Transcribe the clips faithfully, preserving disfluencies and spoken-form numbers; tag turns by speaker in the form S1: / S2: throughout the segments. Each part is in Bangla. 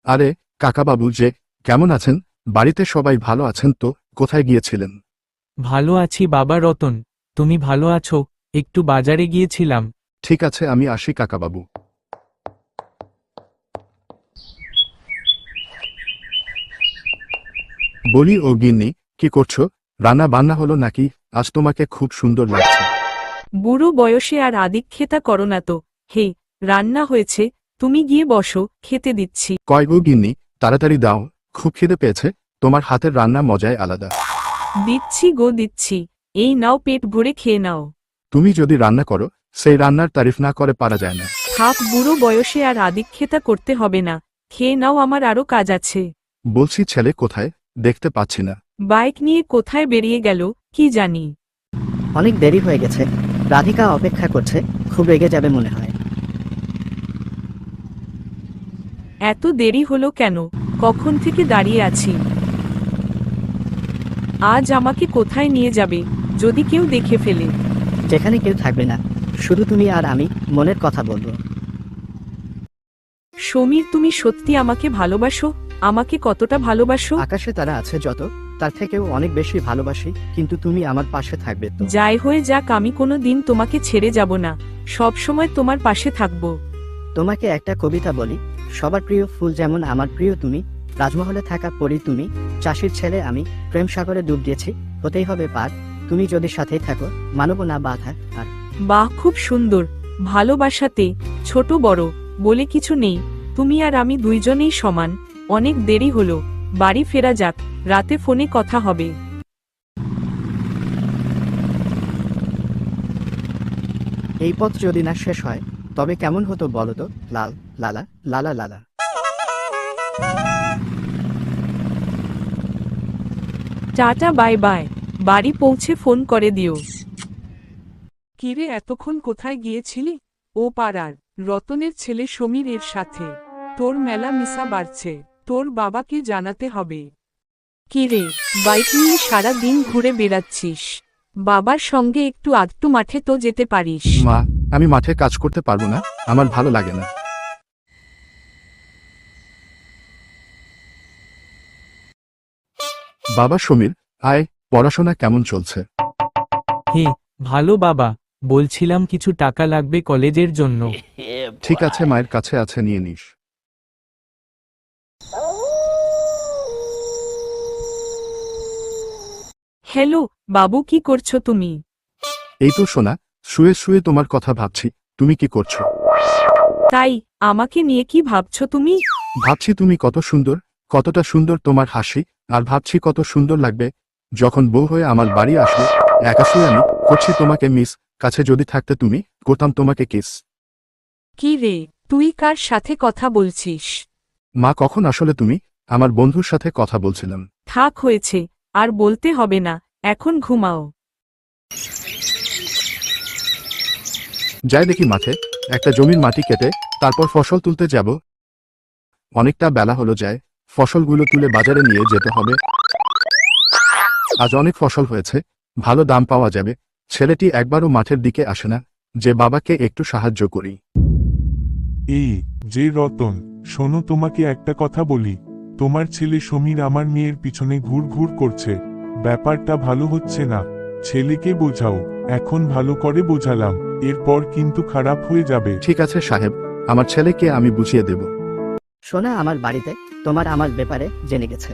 S1: আরে কাকাবাবু যে, কেমন আছেন? বাড়িতে সবাই ভালো আছেন তো? কোথায় গিয়েছিলেন?
S2: ভালো আছি বাবা রতন, তুমি ভালো আছো? একটু বাজারে গিয়েছিলাম।
S1: ঠিক আছে, আমি আসি কাকাবাবু। বলি ও গিন্নি, কি করছো? রান্না বান্না হলো নাকি? আজ তোমাকে খুব সুন্দর লাগছে।
S3: বুড়ো বয়সে আর আদিক্ষেতা করো না তো। হে, রান্না হয়েছে, তুমি গিয়ে বসো, খেতে দিচ্ছি।
S1: কয় গো গিন্নি, তাড়াতাড়ি দাও, খুব খিদে পেয়েছে। তোমার হাতের রান্না মজাই আলাদা।
S3: দিচ্ছি গো দিচ্ছি, এই নাও, পেট ভরে খেয়ে নাও।
S1: তুমি যদি রান্না করো, সেই রান্নার তারিফ না করে পারা যায় না।
S3: থাক, বুড়ো বয়সে আর আদিক্ষেতা করতে হবে না, খেয়ে নাও, আমার আরো কাজ আছে।
S1: বলছি ছেলে কোথায়? দেখতে পাচ্ছি না।
S3: বাইক নিয়ে কোথায় বেরিয়ে গেল কি জানি।
S4: অনেক দেরি হয়ে গেছে, রাধিকা অপেক্ষা করছে, খুব রেগে যাবে মনে হয়।
S3: এত দেরি হলো কেন? কখন থেকে দাঁড়িয়ে আছি। আজ আমাকে কোথায় নিয়ে যাবে, যদি কেউ দেখে ফেলে?
S4: যেখানে কেউ থাকবে না, শুধু তুমি আর আমি মনের কথা বলবো।
S3: সমীর, তুমি সত্যি আমাকে ভালোবাসো? আমাকে কতটা ভালোবাসো?
S4: আকাশে তারা আছে যত, তার থেকেও অনেক বেশি ভালোবাসি, কিন্তু তুমি আমার পাশে থাকবে তো?
S3: যাই হয়ে যাক, আমি কোনো দিন তোমাকে ছেড়ে যাব না, সব সময় তোমার পাশে থাকবো।
S4: তোমাকে একটা কবিতা বলি। সবার প্রিয় ফুল যেমন আমার প্রিয় তুমি, রাজমহলে থাকা পরী তুমি, চাষির ছেলে আমি, প্রেম সাগরে ডুব দিয়েছি, হতেই হবে পার, তুমি যদি সাথেই থাকো, মানব না বাধা আর।
S3: বাহ, খুব সুন্দর। ভালোবাসাতে ছোট বড় বলে কিছু নেই, তুমি আর আমি দুইজনেই সমান। অনেক দেরি হলো, বাড়ি ফেরা যাক, রাতে ফোনে কথা হবে।
S4: এই পথ যদি না শেষ হয়, তবে কেমন হতো বলো তো? লাল লালা লালা লালা।
S3: টাটা, বাই বাই, বাড়ি পৌঁছে ফোন করে দিও।
S5: কিরে, এতক্ষণ কোথায় গিয়েছিলি? ও পাড়ার রতনের ছেলে সমীর এর সাথে তোর মেলা মিশা বাড়ছে, তোর বাবাকে জানাতে হবে।
S3: কিরে, বাইক নিয়ে সারা দিন ঘুরে বেড়াচ্ছিস? বাবার সঙ্গে একটু আধটু মাঠে তো যেতে পারিস।
S1: মা, আমি মাঠে কাজ করতে পারবো না, আমার ভালো লাগে না। বাবা সমীর, আয়, পড়াশোনা কেমন চলছে?
S2: হে, ভালো বাবা, বলছিলাম কিছু টাকা লাগবে কলেজের জন্য।
S1: ঠিক আছে, মায়ের কাছে আছে, নিয়ে নিস।
S3: হ্যালো বাবু, কি করছো তুমি?
S1: এই তো সোনা, শুয়ে শুয়ে তোমার কথা ভাবছি। তুমি কি করছো?
S3: তাই, আমাকে নিয়ে কি ভাবছো তুমি?
S1: ভাবছি তুমি কত সুন্দর, কতটা সুন্দর তোমার হাসি, আর ভাবছি কত সুন্দর লাগবে যখন বউ হয়ে আমার বাড়ি আসবে। একা শুয়ে আমি করছি তোমাকে মিস, কাছে যদি থাকতে তুমি, করতাম তোমাকে কিস।
S3: কি রে, তুই কার সাথে কথা বলছিস?
S1: মা, কখন আসলে তুমি? আমার বন্ধুর সাথে কথা বলছিলাম।
S3: থাক, হয়েছে, আর বলতে হবে না, এখন ঘুমাও।
S1: যাই দেখি মাঠে, একটা জমির মাটি কেটে তারপর ফসল তুলতে যাব। অনেকটা বেলা হলো, যায় ফসলগুলো তুলে বাজারে নিয়ে যেতে হবে। আজ অনেক ফসল হয়েছে, ভালো দাম পাওয়া যাবে। ছেলেটি একবারও মাঠের দিকে আসে না, যে বাবাকে একটু সাহায্য করি।
S6: এই যে রতন, শোনো, তোমাকে একটা কথা বলি। তোমার ছেলে সমীর আমার মেয়ের পিছনে ঘুর ঘুর করছে, ব্যাপারটা ভালো হচ্ছে না। ছেলেকে বোঝাও। এখন ভালো করে বোঝালাম, এরপর কিন্তু খারাপ হয়ে যাবে।
S1: ঠিক আছে সাহেব, আমার ছেলেকে আমি বুঝিয়ে দেব।
S4: সোনা আমার বাড়িতে তোমার আমার ব্যাপারে জেনে গেছে।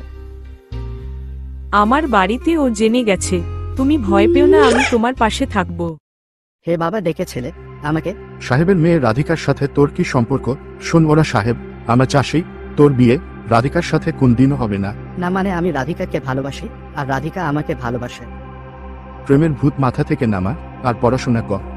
S3: আমার বাড়িতে ও জেনে গেছে, তুমি ভয় পেও না, আমি তোমার পাশে থাকবো।
S4: হে বাবা, ডেকেছিলে আমাকে?
S1: সাহেবের মেয়ে রাধিকার সাথে তোর কি সম্পর্ক? শোন, ওরা সাহেব, আমরা চাষি, তোর বিয়ে রাধিকার সাথে কোন দিনও হবে না।
S4: না মানে, আমি রাধিকাকে ভালোবাসি, আর রাধিকা আমাকে ভালোবাসে।
S1: প্রেমের ভূত মাথা থেকে নামা, আর পড়াশোনা কর।